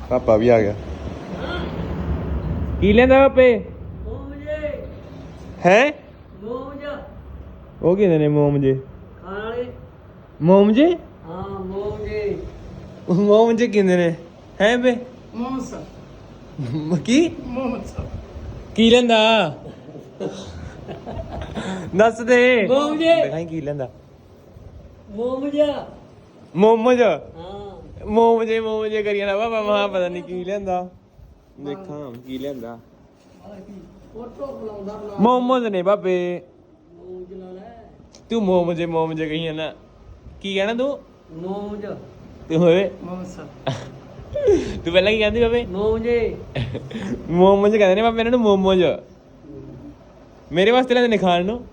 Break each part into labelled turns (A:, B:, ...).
A: ਪਾਪਾ ਵੀ ਆ ਗਿਆ। ਕੀ ਲੈਂਦਾ ਪਾਪੇ? ਹੈ ਉਹ ਕਿਹਦੇ ਨੇ ਮੋਮ ਜੇ? ਮੋਮ ਜੇ? ਮੋਮ ਜੇ ਕਿਹਦੇ ਨੇ? ਹੈ ਬੇ ਕੀ ਕੀ ਲੈਂਦਾ? ਦੱਸ ਦੇ। ਦਿਖਾਈ ਕੀ ਲੈਂਦਾ? ਮੋਮੋਜ ਮੋਮੋਜ ਕਰੀ ਜਾਂਦਾ ਬਾਬਾ। ਮਹਾ ਪਤਾ ਨੀ ਕੀ ਲੈਂਦਾ। ਦੇਖਾਂ ਕੀ ਲੈਂਦਾ। ਮੋਮੋਜ ਨੇ ਬਾਬੇ। ਤੂੰ ਮੋਮੋਜ ਕਹੀ ਜਾਂਦਾ। ਕੀ ਕਹਿਣਾ ਤੂੰ? ਤੂੰ ਹੋਵੇ ਤੂੰ ਪਹਿਲਾਂ ਕੀ ਕਹਿੰਦੀ ਬਾਬੇ? ਮੋਮੋਜ ਕਹਿੰਦੇ ਨੇ ਬਾਬੇ ਇਹਨਾਂ ਨੂੰ। ਮੋਮੋਜ ਮੇਰੇ ਵਾਸਤੇ ਲੈਂਦੇ ਨੇ ਖਾਣ ਨੂੰ।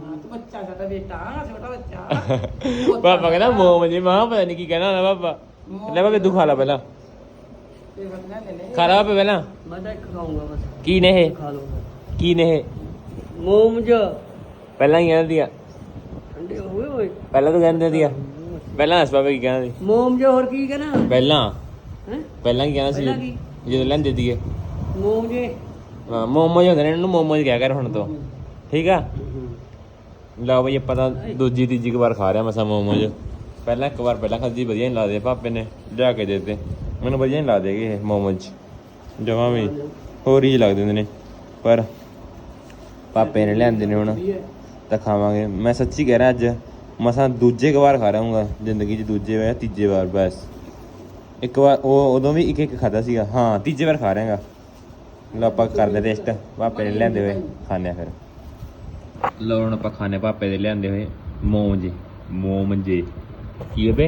A: ਪਾਪਾ ਕਹਿੰਦਾ ਮੋਮੋਜ। ਮਹਾ ਪਤਾ ਨੀ ਕੀ ਕਹਿਣਾ ਹੁੰਦਾ ਪਾਪਾ। ਲੈ ਬਾਬੇ ਤੂੰ ਖਾ ਲਾ ਪਹਿਲਾਂ। ਖਾ ਲਾ ਬਾਬੇ ਪਹਿਲਾਂ। ਕੀ ਨੇ ਇਹ? ਕੀ ਨੇ ਇਹ? ਮੋਮੋਜ ਪਹਿਲਾਂ ਹੀ ਕਹਿੰਦੀ ਆ। ਪਹਿਲਾਂ ਤੂੰ ਕਹਿੰਦੇ ਦੀ ਆ। ਪਹਿਲਾਂ ਦੱਸ ਬਾਬੇ ਕੀ ਕਹਿੰਦਾ ਸੀ? ਮੋਮੋਜ ਹੋਰ ਕੀ ਕਹਿਣਾ? ਪਹਿਲਾਂ ਕੀ ਕਹਿਣਾ ਸੀ ਜਦੋਂ ਲੈਂਦੇ ਦੀਏ? ਹਾਂ ਮੋਮੋਜ ਹੁੰਦੇ ਨੇ ਇਹਨਾਂ ਨੂੰ। ਮੋਮੋਜ ਕਿਹਾ ਕਰ ਹੁਣ ਤੋਂ। ਠੀਕ ਆ। ਲਓ ਬਈ ਆਪਾਂ ਤਾਂ ਦੂਜੀ ਤੀਜੀ ਕੁ ਵਾਰ ਖਾ ਰਿਹਾ ਮਸਾਂ ਮੋਮੋਜ। ਪਹਿਲਾਂ ਇੱਕ ਵਾਰ ਪਹਿਲਾਂ ਖਾਧੀ ਵਧੀਆ ਨਹੀਂ ਲੱਗਦੇ। ਪਾਪੇ ਨੇ ਲਿਆ ਕੇ ਦੇ ਦਿੱਤੇ ਮੈਨੂੰ। ਵਧੀਆ ਨਹੀਂ ਲੱਗਦੇ ਇਹ ਮੋਮੋਜ ਜਮਾਂ ਵੀ। ਹੋਰ ਹੀ ਲੱਗਦੇ ਹੁੰਦੇ ਨੇ ਪਰ ਪਾਪੇ ਨੇ ਲਿਆਂਦੇ ਨੇ ਹੁਣ ਤਾਂ ਖਾਵਾਂਗੇ। ਮੈਂ ਸੱਚੀ ਕਹਿ ਰਿਹਾ ਅੱਜ ਮਸਾਂ ਦੂਜੇ ਕੁ ਵਾਰ ਖਾ ਰਹਾਂਗਾ ਜ਼ਿੰਦਗੀ 'ਚ। ਦੂਜੇ ਵਾਰ ਤੀਜੇ ਵਾਰ ਬਸ। ਇੱਕ ਵਾਰ ਉਹ ਉਦੋਂ ਵੀ ਇੱਕ ਖਾਧਾ ਸੀਗਾ। ਹਾਂ ਤੀਜੇ ਵਾਰ ਖਾ ਰਿਹਾਂਗਾ। ਲਓ ਆਪਾਂ ਕਰਦੇ ਟੇਸਟ। ਪਾਪੇ ਨੇ ਲਿਆਂਦੇ ਹੋਏ ਖਾਂਦੇ ਫਿਰ। ਲਓ ਹੁਣ ਆਪਾਂ ਖਾਂਦੇ ਪਾਪੇ ਦੇ ਲਿਆਂਦੇ ਹੋਏ ਮੋਮੋਜੇ। ਕੀ ਬੇ?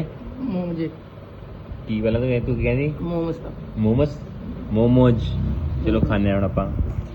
A: ਕੀ ਪਹਿਲਾਂ ਤੂੰ ਕੀ ਕਹਿੰਦੀ? ਮੋਮੋਜ। ਚਲੋ ਖਾਂਦੇ ਹੁਣ ਆਪਾਂ।